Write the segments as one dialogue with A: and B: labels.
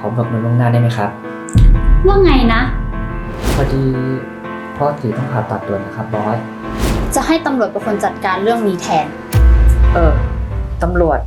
A: อเบิกเงินล่วงหน้าได้ไหมครับ
B: ว่าไงนะ
A: พอดีพ่อตีต้องผ่าตัดด่วนนะครับบอส
B: จะให้ตำรวจเป็นคนจัดการเรื่องนี้แทน
A: ตำรวจ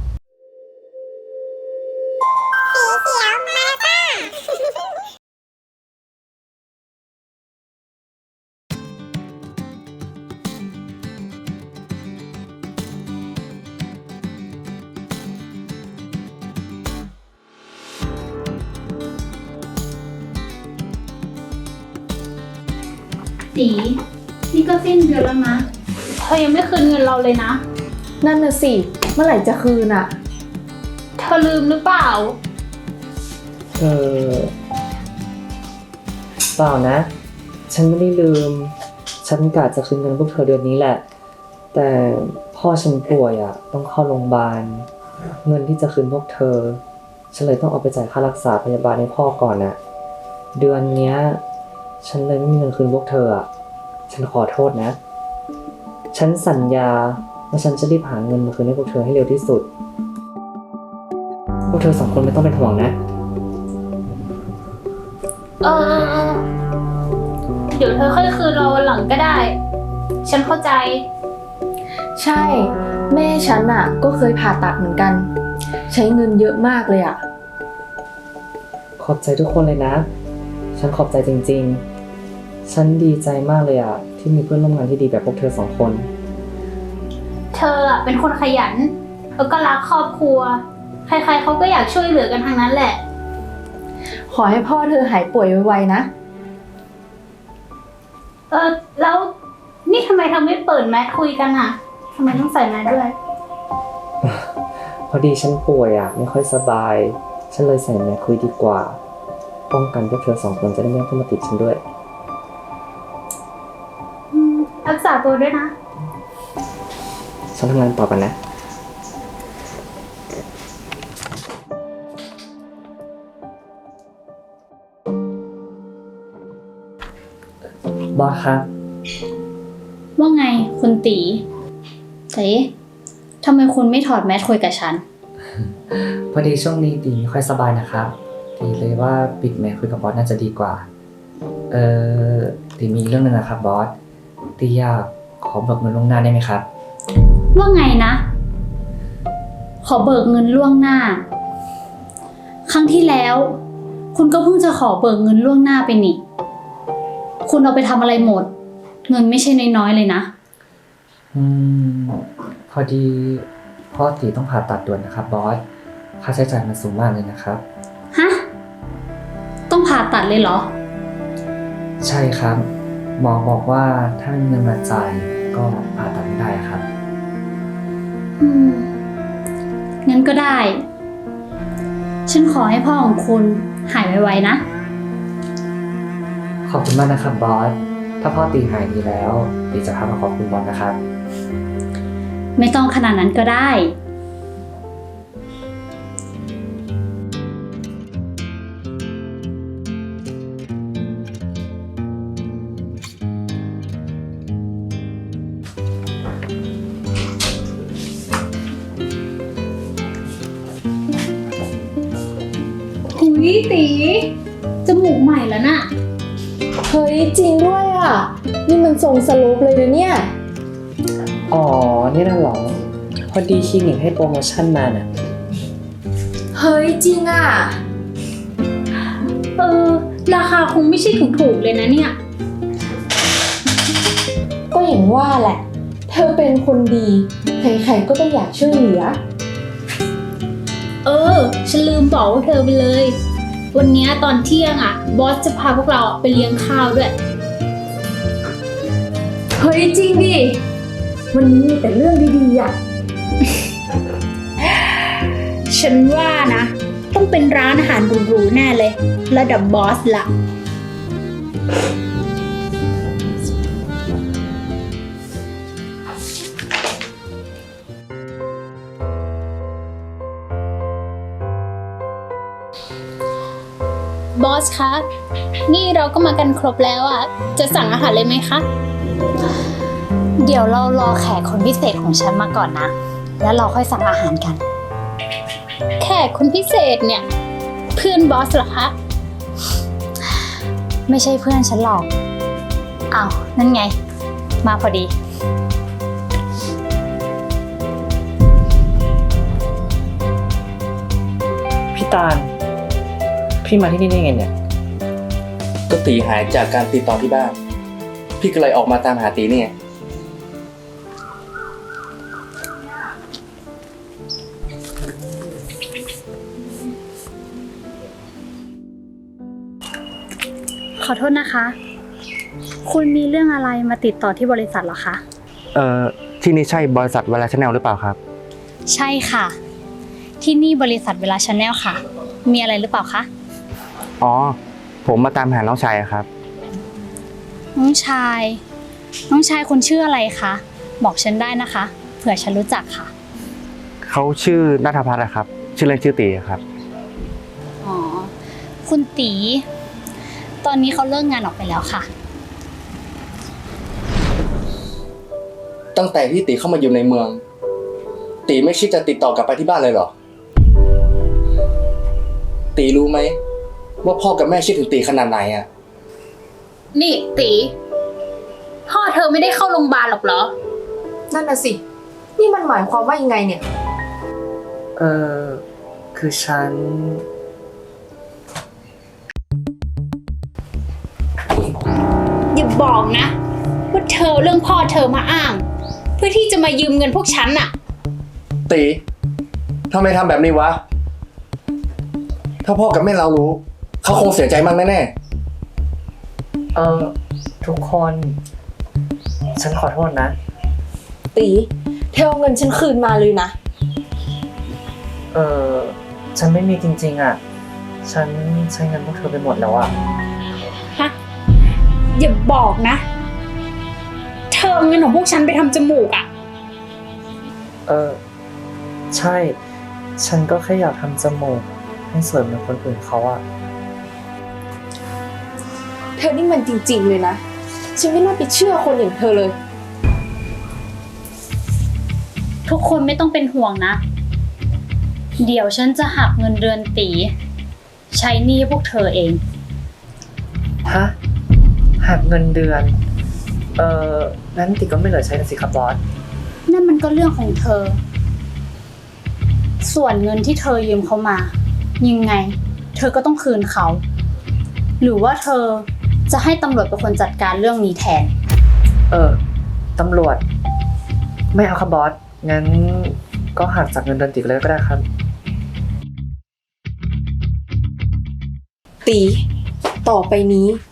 B: ตีนี่ก็สิ้นเดือนแล้วนะเธอยังไม่คืนเงินเราเลยนะ
C: นั่นน่ะสิเมื่อไหร่จะคืนอะ
B: เธอลืมหรือเปล่า
A: เปล่านะฉันไม่ได้ลืมฉันกะจะคืนเงินพวกเธอเดือนนี้แหละแต่พ่อฉันป่วยต้องเข้าโรงพยาบาลเงินที่จะคืนพวกเธอฉันเลยต้องเอาไปจ่ายค่ารักษาพยาบาลให้พ่อก่อนเดือนเนี้ยฉันเลยไม่มีเงินคืนพวกเธอฉันขอโทษนะฉันสัญญาว่าฉันจะรีบหาเงินมาคืนให้พวกเธอให้เร็วที่สุดพวกเธอ2 คนไม่ต้องเป็นห่วงนะ
B: เดี๋ยวเธอค่อยคืนเราวันหลังก็ได้ฉันเข้าใจ
C: ใช่แม่ฉันอะก็เคยผ่าตัดเหมือนกันใช้เงินเยอะมากเลยอะ
A: ขอบใจทุกคนเลยนะฉันขอบใจจริงๆฉันดีใจมากเลยที่มีเพื่อนร่วมงานที่ดีแบบพวกเธอ2 คน
B: เธอเป็นคนขยันแล้วก็รักครอบครัวใครๆเขาก็อยากช่วยเหลือกันทั้งนั้นแหละ
C: ขอให้พ่อเธอหายป่วยไวๆนะ
B: แล้วนี่ทำไมเธอไม่เปิดแมสคุยกันทำไมต้องใส่แมสด้วย
A: พอดีฉันป่วยไม่ค่อยสบายฉันเลยใส่แมสคุยดีกว่าป้องกันพวกเธอ2 คนจะได้ไม่ต้องมาติดฉันด้วย
B: รักษาตัวด้วยนะ
A: ฉันทำงานต่อกันนะบอสครับ
B: ว่าไงคุณตีทำไมคุณไม่ถอดแมสคุยกับฉัน
A: พอดีช่วงนี้ตีไม่ค่อยสบายนะครับตีเลยว่าปิดแมสคุยกับบอสน่าจะดีกว่าตีมีเรื่องนึงนะครับบอสตีอยากขอเบิกเงินล่วงหน้าได้ไหมครับ
B: ว่าไงนะขอเบิกเงินล่วงหน้าครั้งที่แล้วคุณก็เพิ่งจะขอเบิกเงินล่วงหน้าไปนี่คุณเอาไปทำอะไรหมดเงินไม่ใช่น้อยๆเลยนะ
A: พอดีพ่อตีต้องผ่าตัดด่วนนะครับบอสค่าใช้จ่ายมันสูงมากเลยนะครับ
B: ฮะต้องผ่าตัดเลยเหรอ
A: ใช่ครับหมอบอกว่าถ้าไม่มีเงินมาจ่ายก็ผ่าตัดไม่ได้ครับ
B: งั้นก็ได้ฉันขอให้พ่อของคุณหายไวๆนะ
A: ขอบคุณมากนะครับบอสถ้าพ่อตีหายดีแล้วตีจะพามาขอบคุณบอสนะครับ
B: ไม่ต้องขนาดนั้นก็ได้ตีจมูกใหม่แล้วน่ะ
C: เฮ้ยจริงด้วยนี่มันทรงสโลปเลยนะเนี่ย
A: นี่น่ะหรอพอดีคลินิกให้โปรโมชั่นมาน่ะ
C: เฮ้ยจริง
B: ราคาคงไม่ใช่ถูกๆเลยนะเนี่ย
C: ก็อย่างว่าแหละเธอเป็นคนดีใครๆก็ต้องอยากช่วยเหลือ
B: ฉันลืมบอกว่าเธอไปเลยวันนี้ตอนเที่ยงบอสจะพาพวกเราไปเลี้ยงข้าวด้วย
C: เฮ้ยจริงดิวันนี้มีแต่เรื่องดีๆ
B: ฉันว่านะต้องเป็นร้านอาหารหรูๆแน่เลยระดับบอสละบอสคะนี่เราก็มากันครบแล้วจะสั่งอาหารเลยไหมคะเดี๋ยวเรารอแขกคนพิเศษของฉันมาก่อนนะแล้วเราค่อยสั่งอาหารกันแขกคนพิเศษเนี่ยเพื่อนบอสเหรอคะ ไม่ใช่เพื่อนฉันหรอก อ้าว นั่นไง มาพอดี
A: พี่ตาล พี่มาที่นี่ได้ไงเนี่ย
D: ก็ตีหายจากการติดต่อที่บ้าน พี่ก็เลยออกมาตามหาตีนี่ไง
B: ขอโทษนะคะ คุณมีเรื่องอะไรมาติดต่อที่บริษัทเหรอคะ
D: ที่นี่ใช่บริษัทเวลาชาแนลหรือเปล่าครับ
B: ใช่ค่ะ ที่นี่บริษัทเวลาชาแนลค่ะ มีอะไรหรือเปล่าคะ
D: อ๋อ ผมมาตามหาน้องชายอะครับ
B: น้องชาย น้องชายคุณชื่ออะไรคะ บอกฉันได้นะคะ เผื่อฉันรู้จักค่ะ
D: เขาชื่อณัฐพัฒน์อะครับ ชื่อเล่นชื่อตีอะครับ
B: อ๋อ คุณตี ตอนนี้เขาเลิกงานออกไปแล้วค่ะ
D: ตั้งแต่ที่ตีเข้ามาอยู่ในเมือง ตีไม่คิดจะติดต่อกลับไปที่บ้านเลยเหรอ ตีรู้ไหมว่าพ่อกับแม่คิดถึงตีขนาดไหนอะ
E: นี่ตีพ่อเธอไม่ได้เข้าโรงพยาบาลหรอกเหรอ
C: นั่นน่ะสิ นี่มันหมายความว่ายังไงเนี่ย
A: คือฉัน
E: อย่าบอกนะว่าเธอเรื่องพ่อเธอมาอ้าง เพื่อที่จะมายืมเงินพวกฉันน่ะ
D: ตีทำไมทำแบบนี้วะ ถ้าพ่อกับแม่เรารู้ เขาคงเสียใจมากแน่
A: ทุกคน ฉันขอโทษนะ
C: ตีเธอเอาเงินฉันคืนมาเลยนะ
A: ฉันไม่มีจริงๆอ่ะ ฉันใช้เงินพวกเธอไปหมดแล้วอ่ะ
E: ฮะ อย่าบอกนะ เธอเอาเงินของพวกฉันไปทำจมูกอ่ะ
A: ใช่ ฉันก็แค่อยากทำจมูกให้สวยเหมือนคนอื่นเขาอ่ะ
C: เธอนี่มันจริงๆเลยนะ ฉันไม่น่าไปเชื่อคนอย่างเธอเลย
B: ทุกคนไม่ต้องเป็นห่วงนะ เดี๋ยวฉันจะหักเงินเดือนตี ใช้หนี้พวกเธอเอง
A: ฮะ หักเงินเดือน นั้นติก็ไม่เหลือใช้นะสิครับบอส
B: นั่นมันก็เรื่องของเธอ ส่วนเงินที่เธอยืมเขามา ยังไง เธอก็ต้องคืนเขา หรือว่าเธอจะให้ตำรวจเป็นคนจัดการเรื่องนี้แทน
A: ตำรวจ ไม่เอาครับบอส งั้นก็หักจากเงินเดือนติเลยก็ได้ครับ
C: ตี ต่อไปนี้